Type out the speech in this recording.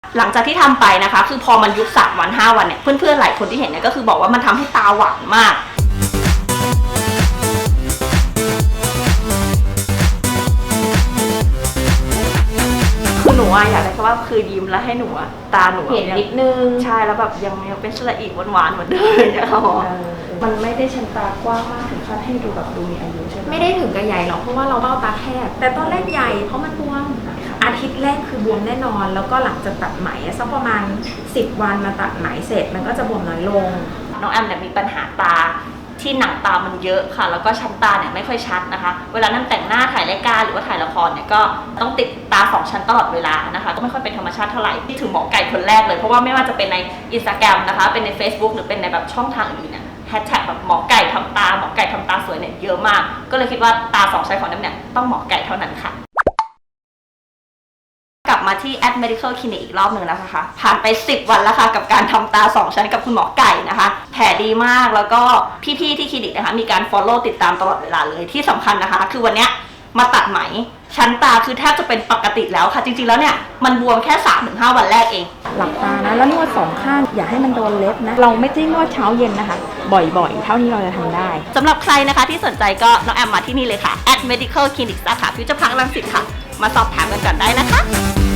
หลังจากที่ทำไปนะคะคือพอมันยุบ3 วัน 5 วันเนี่ยเพื่อนๆหลายคนที่เห็นเนี่ยก็คือบอกว่ามันทำให้ตาหวานมากคือหนูอยากได้แค่ว่าคือยิ้มแล้วให้หนูตาหนูเห็นนิดนึงใช่แล้วแบบยังเป็นสระอีหวานๆเหมือนเดิมเนี่ยค่ะมันไม่ได้ชั้นตากว้างมากถึงขั้นให้ดูแบบดูมีอายุใช่ไหมไม่ได้ถึงกับใหญ่หรอกเพราะว่าเราเบ้าตาแคบแต่ตอนแรกใหญ่เพราะมันบวมอาทิตย์แรกคือบวมแน่นอนแล้วก็หลังจากตัดไหมสักประมาณ10 วันมาตัดไหมเสร็จมันก็จะบวมน้อยลงน้องแอมเนี่ยมีปัญหาตาที่หนังตามันเยอะค่ะแล้วก็ชั้นตาเนี่ยไม่ค่อยชัดนะคะเวลานั่งแต่งหน้าถ่ายรายการหรือว่าถ่ายละครเนี่ยก็ต้องติดตา2 ชั้นตลอดเวลานะคะก็ไม่ค่อยเป็นธรรมชาติเท่าไหร่ที่ถึงหมอไก่คนแรกเลยเพราะว่าไม่ว่าจะเป็นใน Instagram นะคะเป็นใน Facebook หรือเป็นในแบบช่องทางอื่นเนี่ยแฮชแท็กแบบหมอไก่ทำตาหมอไก่ทำตาสวยเนี่ยเยอะมากก็เลยคิดว่าตา2 ชั้นของแอมเนี่ยต้องหมอไก่เท่านั้นค่ะกลับมาที่ At Medical Clinic อีกรอบหนึ่งแล้วนะคะผ่านไป10 วันแล้วค่ะกับการทำตา2 ชั้นกับคุณหมอไก่นะคะแผลดีมากแล้วก็พี่ๆที่คลินิกนะคะมีการ follow ติดตามตลอดเวลาเลยที่สำคัญนะคะคือวันเนี้ยมาตัดไหมชั้นตาคือแทบจะเป็นปกติแล้วค่ะจริงๆแล้วเนี่ยมันบวมแค่ 3-5 วันแรกเองหลับตานะแล้วนวด2 ข้างอย่าให้มันโดนเล็บนะเราไม่ได้นวดเช้าเย็นนะคะบ่อยๆเท่าที่เราจะทำได้สำหรับใครนะคะที่สนใจก็น้องแอมมาที่นี่เลยค่ะ At Medical Clinic สาขาฟิวเจอร์พาร์ครังสิตค่ะมาสอบถามกันก่อนได้นะคะ